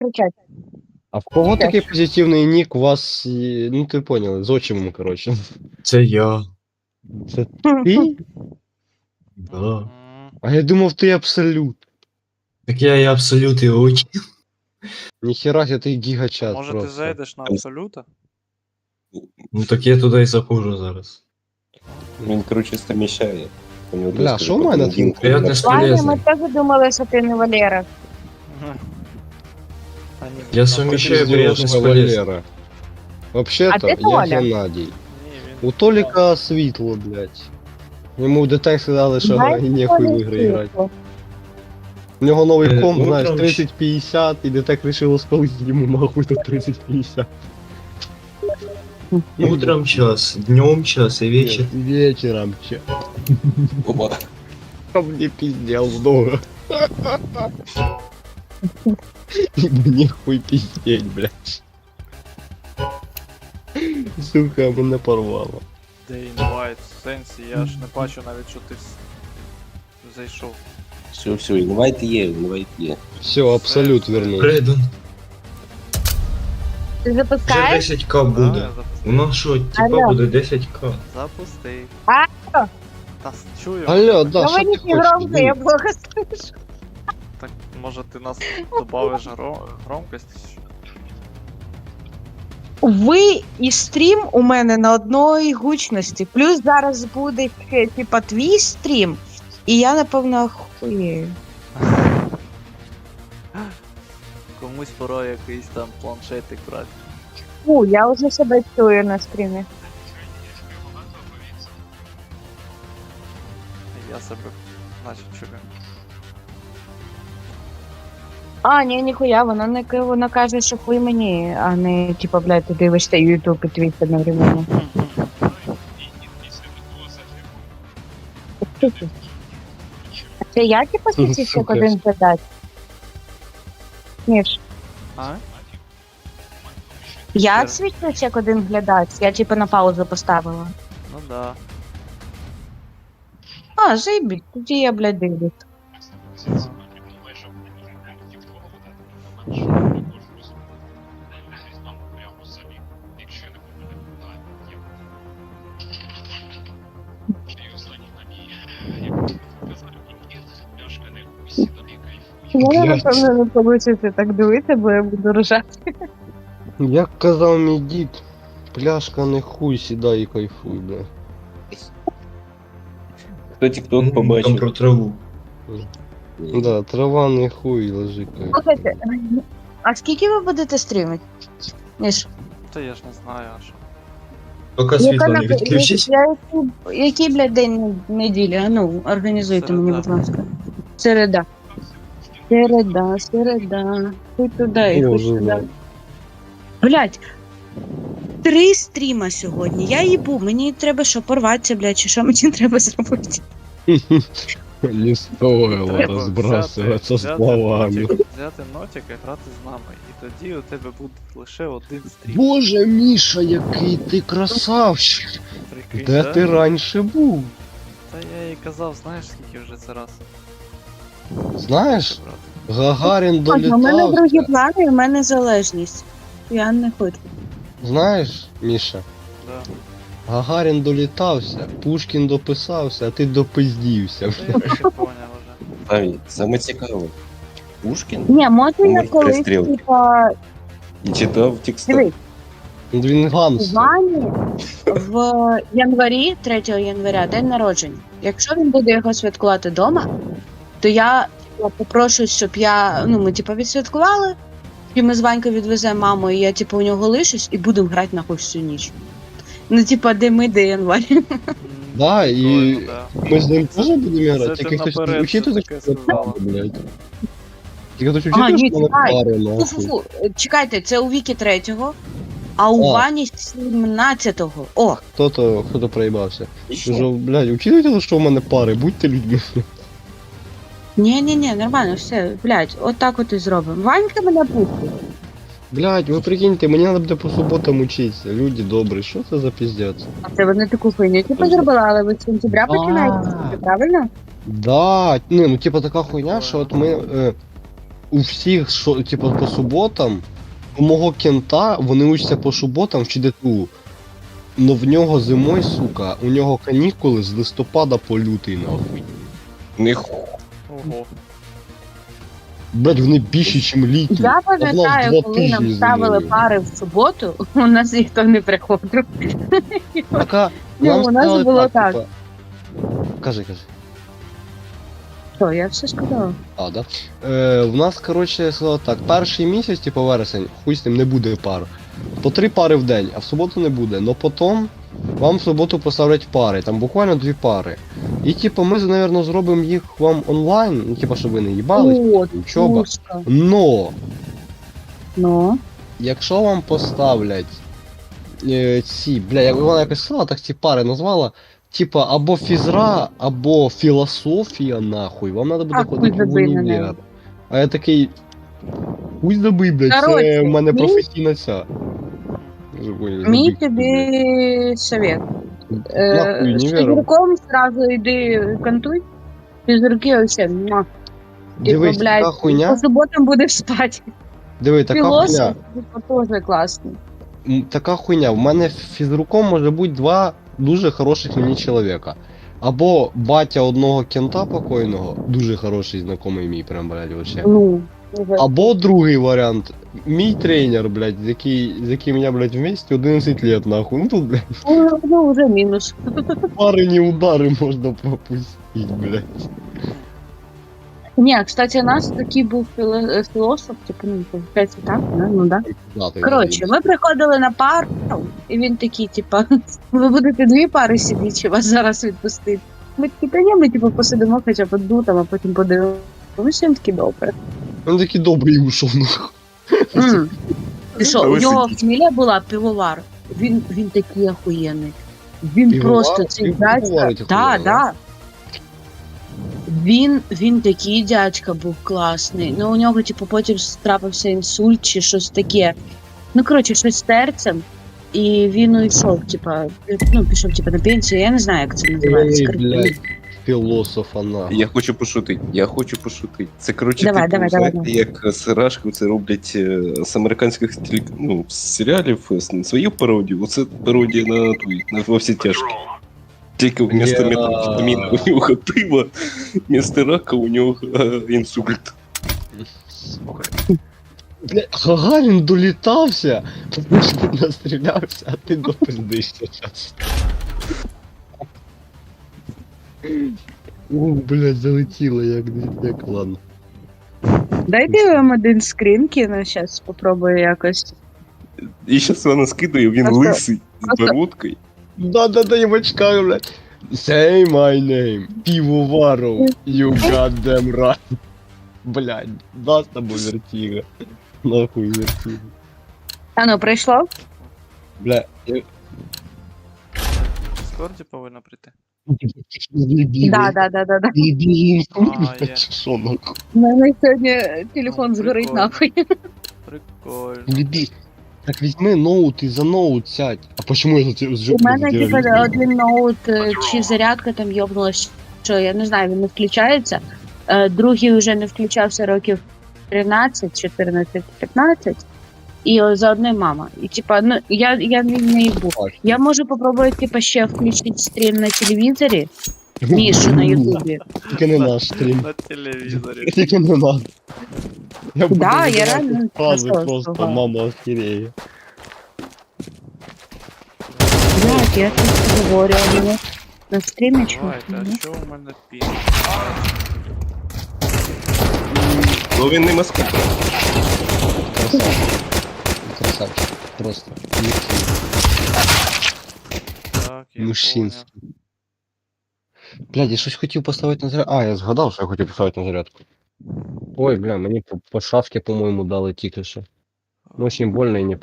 кричать. А в кого такий позитивний нік у вас, ну ти поняли, з отчимом, коротше. Це я. Це ти? Да. А я думав, ти абсолют. Так я і абсолют і очі. Ніхера себе, ти гігачат Може просто. ти зайдеш на абсолюта? Ну так я туди і заходжу зараз. Він, коротше, совмещає. У нього Бля, доступ що в до мене один тут? Я код. теж- Ваня, ми Полезний. теж думали, що ти не Валера. А ні, Я ну, совмещаю ти приятно зробиш. з полезним. Валера. А Вообще-то, ти я Толя? Геннадій. Ні, він... У Толіка світло, блядь. Йому в детек сказали, що Дай і нехуй в ігри грати. У нього новий комп, ну, знаєш, короче. 3050, і детек вирішило спалити йому нахуй до 3050. Утром час, днем час і вечір. Вечером, че. Оба. А мне пиздел много. Мне хуй пиздеть, блядь. Сука, мене порвало. Де інвайт, в сенсі, я ж не бачу навіть, що ти зайшов. Все, інвайт є. Все, абсолют вернул. Прийду. Ти Вже запускаєш? 10к Да, буде. я У запустив. нас що, типа Алло. буде 10к. Запустив. А? Та чую. Алло, да, що Говори ти не громко, хочеш? я плохо слышу. Так, може ти нас добавиш громкості? Ви і стрім у мене на одній гучності. Плюс зараз буде ще, типа, твій стрім. І я, напевно, охуєю. Комусь пора якийсь там планшетик брати. Фу, я вже себе чую на стрімі. Я себе наче чую. А, ні, ніхуя, вона каже, що хуй мені, а не, типа, блядь, ти дивишся YouTube і Twitch одновременно. Це я, типа, світився Сука. один задати? Ніж. А? Я свічусь як один глядач, я типу на паузу поставила. Ну да. А, заебіть, тоді я, блядь, дивлюсь. Я, Блядь. напевно, не вийде так дивитися, бо я буду ржати. Як казав мій дід, пляшка не хуй, сідай і кайфуй, бля. Хто тік-ток Там побачив? про траву. Да, трава не хуй, лежи кайфуй. Слухайте, а скільки ви будете стрімити? Ніж, Та я ж не знаю, а що. Поки світло не відключить. який, блядь, день неділі? А ну, організуйте мені, будь ласка. Середа. Середа. Хуй туди і хуй Боже, сюди. блядь. Блядь, 3 стріма сьогодні. Я їбу, мені треба що, порватися, блядь, чи що мені треба зробити? Не стоило Треба розбрасуватися взяти словами. взяти нотик і грати з нами. І тоді у тебе буде лише один стрім. Боже, Міша, який ти красавчик! Прикинь, Де да? ти раніше був? Та я і казав, знаєш скільки вже це раз. Знаєш, брати. Гагарін У мене другі долітався. плани, і в мене залежність. Я не хочу. Знаєш, Міша, Да. Гагарін долітався, Пушкін дописався, а ти допиздівся. Та я вже поняв вже. Навіть, саме цікаве. Пушкін Ні, може я Номер колись, перестрілки. типа, і читав текст. дивись, Він у гамстер. Вані в январі, 3 января, день народження. Якщо він буде його святкувати вдома, то я попрошу, щоб ми типа відсвяткували, і ми з Ванькою відвеземо маму, і я типу у нього лишусь, і будемо грати нахуй всю ніч. Ну, типа, де ми, де январь. Да, і Прикольно, да. ми з ним теж будемо Це грати, ти тільки хтось наперед учити все таке сказала. блядь. Тільки хтось А, ні, учити, що мене чекай. пари, нахуй. Фу-фу-фу, чекайте, це у Віки 3-го, а у А. Вані 17-го. О, Хто-то проїбався. І що? Кажу, блядь, учитуйте, що в мене пари, будьте людьми. ні, нормально, все, блядь, отак от і зробимо. Ванька мене пустить. Блядь, ви прикиньте, мені треба буде по суботам учитися. Люди добрі, що це за піздець? А це вони таку хуйню типу зробила, але ви з сентября починаєте, правильно? Да, ну типа така хуйня, що от ми у всіх, що, типу, по суботам, у мого кента, вони учаться по суботам в ЧДТУ. Но в нього зимою, сука, у нього канікули з листопада по лютий, нахуй. них Ого. Блять, вони більші, ніж літні. Я А в нас пам'ятаю, 2 коли нам тижні ставили зимою. пари в суботу, у нас ніхто не приходив. Така, Ну, нам у нас сказали було так. типа, кажи. Що, я все сказала. А, да? В нас, коротше, сказали так, перший місяць, типу вересень, хуй з ним не буде пар. По 3 пари в день, а в суботу не буде. Но потім вам в суботу поставлять пари, там буквально 2 пари. І типу ми, напевно, зробимо їх вам онлайн, ну, типу, щоб ви не їбались, О, учоба. Тушка. Но, Ну, якщо вам поставлять ці, бля, як вона якось сказала, так ці пари назвала, типа або фізра, або філософія, нахуй, вам треба буде А, хуй ходити в забий на універ. неї. А я такий. Хуй забий, блядь, це Коротше, в мене мій- професійна ця. Вже поняли, мій забий, тобі совет. блядь. Нахуй З універ. фізруком сразу йди кантуй. Фізруки ось. Типу, Дивись, блядь, така хуйня. по суботам будеш спати. Диви, така Філософ, хуйня. типу, теж класний. Така хуйня. В мене фізруком може бути 2 дуже хороших мені чоловіка. Або батя одного кента покойного, дуже хороший знайомий мій, прям, блядь, вообще. Ну, Або другий варіант. Мій тренер, блядь, з яким я, блядь, вместе 11 лет, нахуй. Ну тут, блядь, ну, вже мінус. парені удари можна пропустити, блядь. Ні, кстати, у нас такий був філософ, типу, ну, виходить так, ну да. Коротше, ми приходили на пару, і він такий, типа, ви будете 2 пари сидіти, чи вас зараз відпустити. Ми такі, та ні, ми типу посидимо хоча б одну, там, а потім подивимося. Він такий добре. Він такий добрий ушов, нахуй. І що, А у ви нього сидіть. фамілія була пивовар. Він такий охуєнний. Він Пивовар? просто цей Він дядька. пивоварить Да, охуєнно, да. Він такий дядька був класний. Ну у нього, типу, потім трапився інсульт чи щось таке. Ну, коротше, щось з серцем. І він уйшов, типа, ну, пішов типа на пенсію, я не знаю, як це називається. Ой, коротше. блядь, філософа, нахуй. Я хочу пошутити. Це коротше, Давай, типу, давай, знаєте, давай. як Сирашко це роблять з американських серіалів свою пародію. Оце пародія на той, на во всі тяжкі. Тільки вместо метамфетаміна у нього пиво, вместо рака у нього інсульт. Бля, Гагарін долітався, тому що ти настрілявся, а ти допиздишся зараз. О, блядь, залетіло як ладно. Дайте я вам один скрін кину, зараз спробую якось. І зараз вона скидає, він Просто- лисий, з просто- бородкою. Да, я в очках, блядь. Say my name, пивоваров, you goddamn right. Блядь, да з тобою вертіга. Нахуй вертіга. А ну, прийшло? Бля, я... В Дискорді повинно прийти. Да. А, є. Що нахуй? У мене сьогодні телефон Ну, згорить прикольно. нахуй. Прикольно. Лебі, так візьми ноут і за ноут сядь. А почему я за тебе У мене типу один ноут чи зарядка там йобнулась, що я не знаю, він не включається. Другий вже не включався років 13, 14, 15. І за одним мама. І типа, ну я не їбу. Я можу попробувати типа ще включити стрім на телевізорі, ніж на Ютубі. Тільки не наш стрім. На телевізорі. Тільки не надо. Я буду Да, я видавати реально фрази просто просто слухаю. мама охереє. Блядь, я тут говорю, а мене на стрімі Давайте, чому? а що у мене пін? Ну він не москаль. Красавчик. Красавчик. Просто. Так, я Мужчинський. Блядь, я щось хотів поставити на зарядку. А, я згадав, що я хотів поставити на зарядку. Ой, бля, мені по шавці, по-моєму, дали тільки що. Ну, очень больно і не